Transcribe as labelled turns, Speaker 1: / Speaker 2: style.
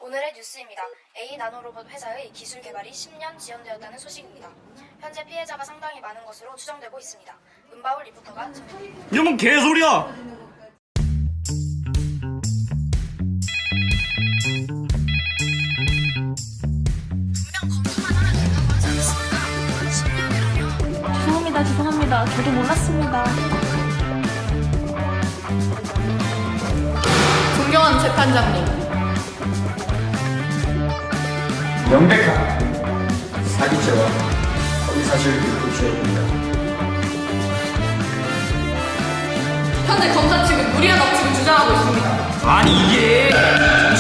Speaker 1: 오늘의 뉴스입니다. A 나노로봇 회사의 기술 개발이 10년 지연되었다는 소식입니다. 현재 피해자가 상당히 많은 것으로 추정되고 있습니다. 은바울 리포터가 전해드립니다.
Speaker 2: 이건 뭔 개소리야!
Speaker 1: 분명 검수만 하면 된다고 하지 않았습니까? 10년이라뇨?
Speaker 3: 죄송합니다. 저도 몰랐습니다.
Speaker 4: 존경하는 재판장님,
Speaker 5: 명백한 사기죄와 허위사실을 도취해 봅니다.
Speaker 4: 현재 검사 측은 무리한 억측을 주장하고 있습니다.
Speaker 2: 아니 이게